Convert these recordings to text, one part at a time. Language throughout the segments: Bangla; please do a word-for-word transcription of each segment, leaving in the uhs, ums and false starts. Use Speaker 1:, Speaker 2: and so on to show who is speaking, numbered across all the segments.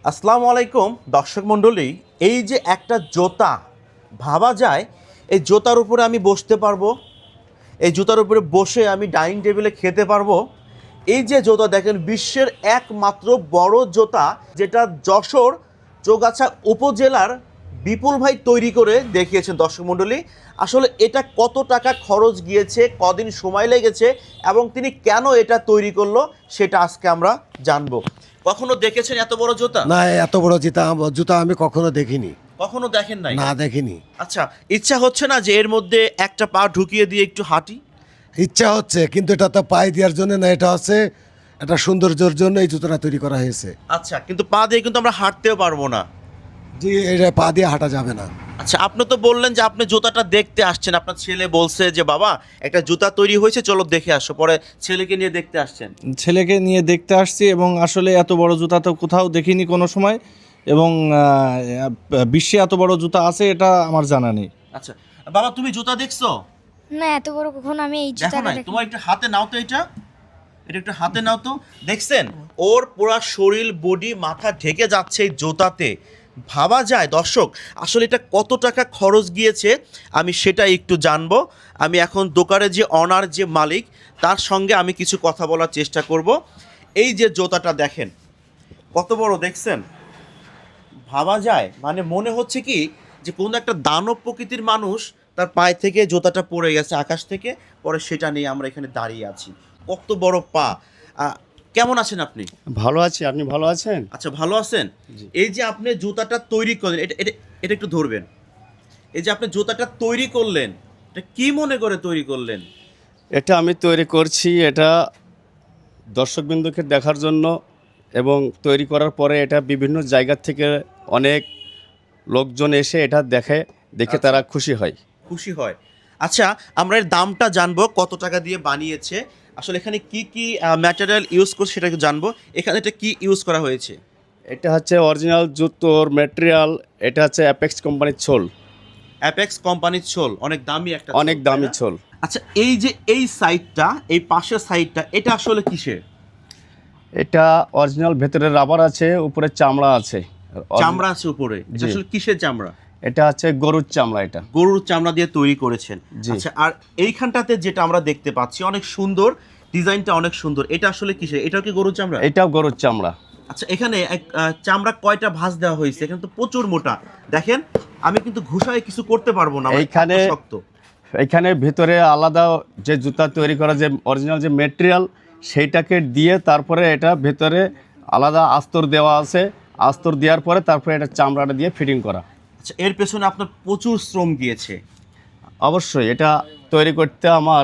Speaker 1: আসসালামু আলাইকুম দর্শক মণ্ডলী। এই যে একটা জুতা ভাবা যায়, এই জুতার উপরে আমি বসতে পারবো, এই জুতার উপরে বসে আমি ডাইনিং টেবিলে খেতে পারবো। এই যে জুতা দেখেন, বিশ্বের একমাত্র বড় জুতা, যেটা যশোর চৌগাছা উপজেলার বিপুল ভাই তৈরি করে দেখিয়েছেন। দর্শক মণ্ডলী, আসলে এটা কত টাকা খরচ গিয়েছে, কদিন সময় লেগেছে এবং তিনি কেন এটা তৈরি করলো, সেটা আজকে আমরা জানবো। কখনো দেখেছেন এত বড় জুতা?
Speaker 2: না, এত বড় জুতা জুতা আমি কখনো দেখিনি।
Speaker 1: কখনো দেখেন নাই?
Speaker 2: না, দেখিনি।
Speaker 1: আচ্ছা, ইচ্ছা হচ্ছে না যে এর মধ্যে একটা পা ঢুকিয়ে দিয়ে একটু হাঁটি?
Speaker 2: ইচ্ছা হচ্ছে, কিন্তু এটা তো পায়ে দেওয়ার জন্য না, এটা হচ্ছে একটা সৌন্দর্যের জন্য এই জুতোটা তৈরি করা হয়েছে।
Speaker 1: আচ্ছা, কিন্তু পা দিয়ে কিন্তু আমরা হাঁটতেও পারবো না।
Speaker 2: জি, এটা পা দিয়ে হাঁটা যাবে না।
Speaker 1: আচ্ছা, আপনি তো বললেন যে আপনি জুতাটা দেখতে আসছেন, আপনার ছেলে বলছে যে বাবা একটা জুতা তৈরি হয়েছে, চলো দেখে আসো, পরে ছেলেকে নিয়ে দেখতে আসছেন।
Speaker 3: ছেলেকে নিয়ে দেখতে আসছি এবং আসলে এত বড় জুতা তো কোথাও দেখিনি কোনো সময়, এবং আহ, বিশ্বে এত বড় জুতা আছে এটা আমার জানা নেই।
Speaker 1: আচ্ছা বাবা, তুমি জুতা দেখছো?
Speaker 4: না, এত বড় কখনো আমি এই
Speaker 1: দেখো
Speaker 4: জুতাটা
Speaker 1: না,
Speaker 4: দেখি।
Speaker 1: তোমার একটু হাতে নাও তো, এটা এটা একটু হাতে নাও তো। দেখছেন, ওর পুরা শরীর, বডি, মাথা ঢেকে যাচ্ছে এই জুতাতে। ভাবা যায় দর্শক, আসলে এটা কত টাকা খরচ গিয়েছে আমি সেটা একটু জানবো। আমি এখন দোকানের যে অনার, যে মালিক, তার সঙ্গে আমি কিছু কথা বলার চেষ্টা করব। এই যে জুতাটা দেখেন কত বড়, দেখছেন? ভাবা যায়, মানে মনে হচ্ছে কি যে কোনো একটা দানব প্রকৃতির মানুষ, তার পায়ে থেকে জুতাটা পড়ে গেছে আকাশ থেকে, পরে সেটা নিয়ে আমরা এখানে দাঁড়িয়ে আছি। কত বড় পা! আহ, কেমন আছেন আপনি?
Speaker 5: ভালো আছি, আপনি ভালো আছেন?
Speaker 1: আচ্ছা, ভালো আছেন। এই যে আপনি জুতাটা তৈরি করলেন, এটা এটা এটা একটু ধরবেন। এই যে আপনি জুতাটা তৈরি করলেন, এটা কি মনে করে তৈরি করলেন?
Speaker 5: এটা আমি তৈরি করছি, এটা দর্শকবৃন্দকে দেখার জন্য, এবং তৈরি করার পরে এটা বিভিন্ন জায়গা থেকে অনেক লোকজন এসে এটা দেখে দেখে
Speaker 1: আচ্ছা।
Speaker 5: তারা খুশি হয়।
Speaker 1: খুশি হয়। আচ্ছা, আমরা এর দামটা জানবো, কত টাকা দিয়ে বানিয়েছে, আসলে এখানে কি কি ম্যাটেরিয়াল ইউজ করছে সেটা একটু জানবো। এখানে এটা কি ইউজ করা হয়েছে?
Speaker 5: এটা হচ্ছে অরিজিনাল জুতোর ম্যাটেরিয়াল, এটা হচ্ছে অ্যাপেক্স কোম্পানির ছোল।
Speaker 1: অ্যাপেক্স কোম্পানির ছোল, অনেক দামি একটা
Speaker 5: অনেক
Speaker 1: ছোল,
Speaker 5: দামি
Speaker 1: তাই না?
Speaker 5: ছোল।
Speaker 1: আচ্ছা, এই যে এই সাইডটা, এই পাশের সাইডটা, এটা আসলে কিসের?
Speaker 5: এটা অরিজিনাল, ভেতরে রাবার আছে, উপরে চামড়া আছে।
Speaker 1: চামড়া আছে উপরে, এটা
Speaker 5: জি।
Speaker 1: আসলে কিসের চামড়া?
Speaker 5: এটা হচ্ছে গরুর চামড়া। এটা
Speaker 1: গরুর চামড়া দিয়ে তৈরি করেছেন।
Speaker 5: জি।
Speaker 1: আচ্ছা, আর এইখানটাতে যেটা আমরা দেখতে পাচ্ছি অনেক সুন্দর, ডিজাইনটা অনেক সুন্দর, এটা আসলে কিসের? এটাও কি গরুর চামড়া?
Speaker 5: এটাও গরুর চামড়া।
Speaker 1: আচ্ছা, এখানে এক আহ, চামড়া কয়টা ভাঁজ দেওয়া হয়েছে? এখানে তো প্রচুর মোটা, দেখেন আমি কিন্তু ঘুষায় কিছু করতে পারবো না, আমার
Speaker 5: এইখানে
Speaker 1: এত শক্ত।
Speaker 5: এখানে ভিতরে আলাদা যে জুতা তৈরি করা, যে অরিজিনাল যে মেটেরিয়াল, সেইটাকে দিয়ে তারপরে এটা ভেতরে আলাদা আস্তর দেওয়া আছে। আস্তর দেওয়ার পরে তারপরে এটা চামড়াটা দিয়ে ফিটিং করা।
Speaker 1: আচ্ছা, এর পেছনে আপনার প্রচুর শ্রম গিয়েছে।
Speaker 5: অবশ্যই এটা তৈরি করতে আমার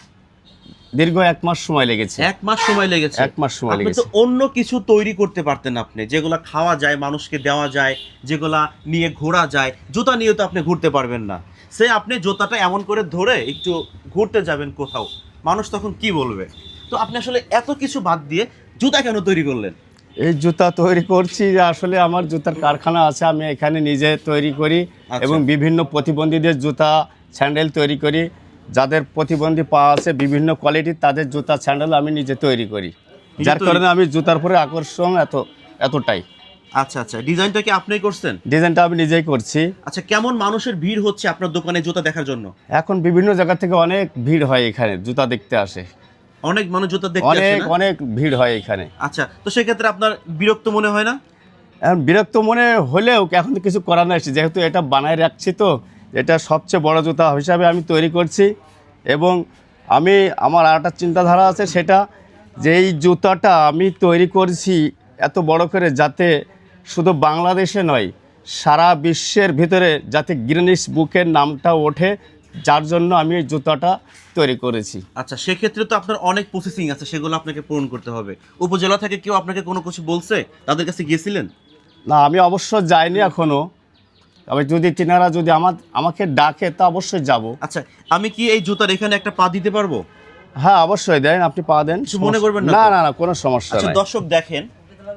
Speaker 5: দীর্ঘ এক মাস সময় লেগেছে।
Speaker 1: এক মাস সময় লেগেছে?
Speaker 5: এক মাস সময়
Speaker 1: আপনি
Speaker 5: লেগেছে।
Speaker 1: তো অন্য কিছু তৈরি করতে পারতেন, আপনি যেগুলা খাওয়া যায়, মানুষকে দেওয়া যায়, যেগুলা নিয়ে ঘোরা যায়। জুতা নিয়ে তো আপনি ঘুরতে পারবেন না। সে আপনি জুতাটা এমন করে ধরে একটু ঘুরতে যাবেন কোথাও, মানুষ তখন কি বলবে? তো আপনি আসলে এত কিছু বাদ দিয়ে জুতা কেন তৈরি করলেন?
Speaker 5: এই জুতা তৈরি করছি যে আসলে আমার জুতার কারখানা আছে, আমি এখানে নিজে তৈরি করি।
Speaker 1: আচ্ছা।
Speaker 5: এবং বিভিন্ন প্রতিবন্ধীদের জুতা, স্যান্ডেল তৈরি করি। যাদের প্রতিবন্ধী পা আছে বিভিন্ন কোয়ালিটির, তাদের জুতা, স্যান্ডেল আমি নিজে তৈরি করি।
Speaker 1: নিজে
Speaker 5: যার
Speaker 1: তৈরি-
Speaker 5: কারণে আমি জুতার পরে আকর্ষণ এত এতটাই।
Speaker 1: আচ্ছা আচ্ছা, ডিজাইনটা কি আপনিই করছেন?
Speaker 5: ডিজাইনটা আমি নিজেই করছি।
Speaker 1: আচ্ছা, কেমন মানুষের ভিড় হচ্ছে আপনার দোকানে জুতা দেখার জন্য?
Speaker 5: এখন বিভিন্ন জায়গা থেকে অনেক ভিড় হয়, এখানে জুতা দেখতে আসে।
Speaker 1: অনেক মানুষ জুতা দেখতে আসে
Speaker 5: অনেক
Speaker 1: না?
Speaker 5: অনেক ভিড় হয় এখানে।
Speaker 1: আচ্ছা, তো সেক্ষেত্রে আপনার বিরক্ত মনে হয় না?
Speaker 5: এখন বিরক্ত মনে হলেও এখন তো কিছু করার নাই, যেহেতু এটা বানায় রাখছি, তো এটা সবচেয়ে বড় জুতা হিসাবে আমি তৈরি করছি। এবং আমি আমার আর একটা চিন্তাধারা আছে, সেটা যে এই জুতাটা আমি তৈরি করছি এত বড় করে, যাতে শুধু বাংলাদেশে নয়, সারা বিশ্বের ভিতরে যাতে গিনেস বুকের নামটা ওঠে, যার জন্য আমি এই জুতাটা তৈরি করেছি।
Speaker 1: আচ্ছা, সেক্ষেত্রে তো আপনার অনেক প্রসেসিং আছে, সেগুলো আপনাকে পূরণ করতে হবে। উপজেলা থেকে কেউ আপনাকে কোনো কিছু বলছে? তাদের কাছে গিয়েছিলেন?
Speaker 5: না, আমি অবশ্য যাইনি এখনও, তবে যদি তিনারা যদি আমার আমাকে ডাকে তা অবশ্যই যাব।
Speaker 1: আচ্ছা, আমি কি এই জুতার এখানে একটা পা দিতে পারবো?
Speaker 5: হ্যাঁ, অবশ্যই দেন, আপনি পা দেন,
Speaker 1: কিছু মনে করবেন না
Speaker 5: না
Speaker 1: তো?
Speaker 5: না না, কোনো সমস্যা
Speaker 1: আচ্ছা
Speaker 5: নাই।
Speaker 1: দর্শক দেখেন,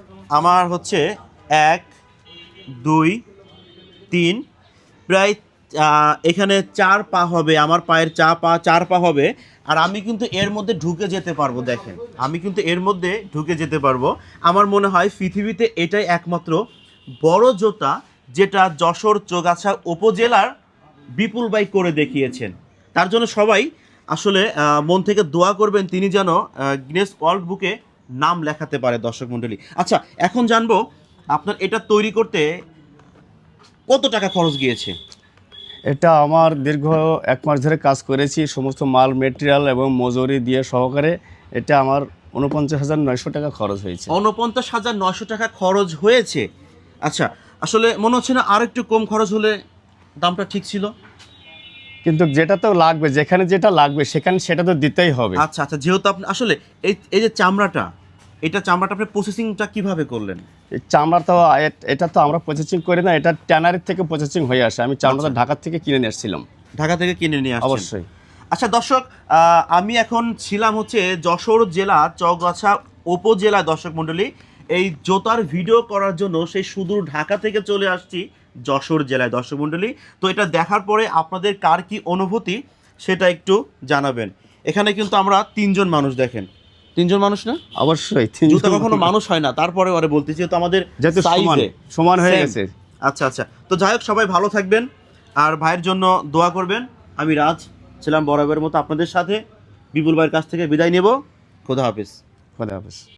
Speaker 1: আমার হচ্ছে এক, দুই, তিন, প্রায় আহ, এখানে চার পা হবে, আমার পায়ের চা পা চার পা হবে, আর আমি কিন্তু এর মধ্যে ঢুকে যেতে পারবো। দেখেন আমি কিন্তু এর মধ্যে ঢুকে যেতে পারবো। আমার মনে হয় পৃথিবীতে এটাই একমাত্র বড় জুতা যেটা যশোর চৌগাছা উপজেলার বিপুল ভাই করে দেখিয়েছেন। তার জন্য সবাই আসলে আহ, মন থেকে দোয়া করবেন তিনি যেন গিনেস ওয়ার্ল্ড বুকে নাম লেখাতে পারে। দর্শক মণ্ডলী, আচ্ছা এখন জানবো আপনার এটা তৈরি করতে কত টাকা খরচ গিয়েছে?
Speaker 5: এটা আমার দীর্ঘ এক মাস ধরে কাজ করেছি, সমস্ত মাল মেটেরিয়াল এবং মজুরি দিয়ে সহকারে এটা আমার উনপঞ্চাশ হাজার নয়শো টাকা খরচ হয়েছে।
Speaker 1: উনপঞ্চাশ হাজার নয়শো টাকা খরচ হয়েছে। আচ্ছা, আসলে মনে হচ্ছে না আর একটু কম খরচ হলে দামটা ঠিক ছিল?
Speaker 5: কিন্তু যেটা তো লাগবে, যেখানে যেটা লাগবে সেখানে সেটা তো দিতেই হবে।
Speaker 1: আচ্ছা আচ্ছা, যেহেতু আপনি আসলে এই এই যে চামড়াটা, এটা চামড়াটা আপনি প্রসেসিংটা কিভাবে করলেন?
Speaker 5: এই চামড়া তো এ- এটা তো আমরা প্রসেসিং করি না, এটা ট্যানারির থেকে প্রসেসিং হয়ে আসে। আমি চামড়াটা
Speaker 1: আচ্ছা।
Speaker 5: ঢাকার থেকে কিনে নিয়ে এসেছিলাম।
Speaker 1: ঢাকা থেকে কিনে নিয়ে আসছেন?
Speaker 5: অবশ্যই।
Speaker 1: আচ্ছা দর্শক, আহ, আমি এখন ছিলাম হচ্ছে যশোর জেলা চৌগাছা উপজেলা। দর্শক মণ্ডলী, এই জোতার ভিডিও করার জন্য সেই সুদূর ঢাকা থেকে চলে আসছি যশোর জেলায়। দর্শক মণ্ডলী, তো এটা দেখার পরে আপনাদের কার কি অনুভূতি সেটা একটু জানাবেন। এখানে কিন্তু আমরা তিনজন মানুষ, দেখেন তিনজন মানুষ না?
Speaker 5: অবশ্যই
Speaker 1: জুতা কখনো মানুষ হয় না, তারপরে ওরে বলতেছি যেহেতু আমাদের
Speaker 5: যেহেতু সমান
Speaker 1: size-এ
Speaker 5: সমান হয়ে
Speaker 1: same।
Speaker 5: গেছে।
Speaker 1: আচ্ছা আচ্ছা, তো যাই হোক সবাই ভালো থাকবেন আর ভাইয়ের জন্য দোয়া করবেন। আমি রাজ ছিলাম বরাবরের মতো আপনাদের সাথে, বিপুল ভাইয়ের কাছ থেকে বিদায় নেব। খোদা হাফেজ।
Speaker 5: খোদা হাফেজ।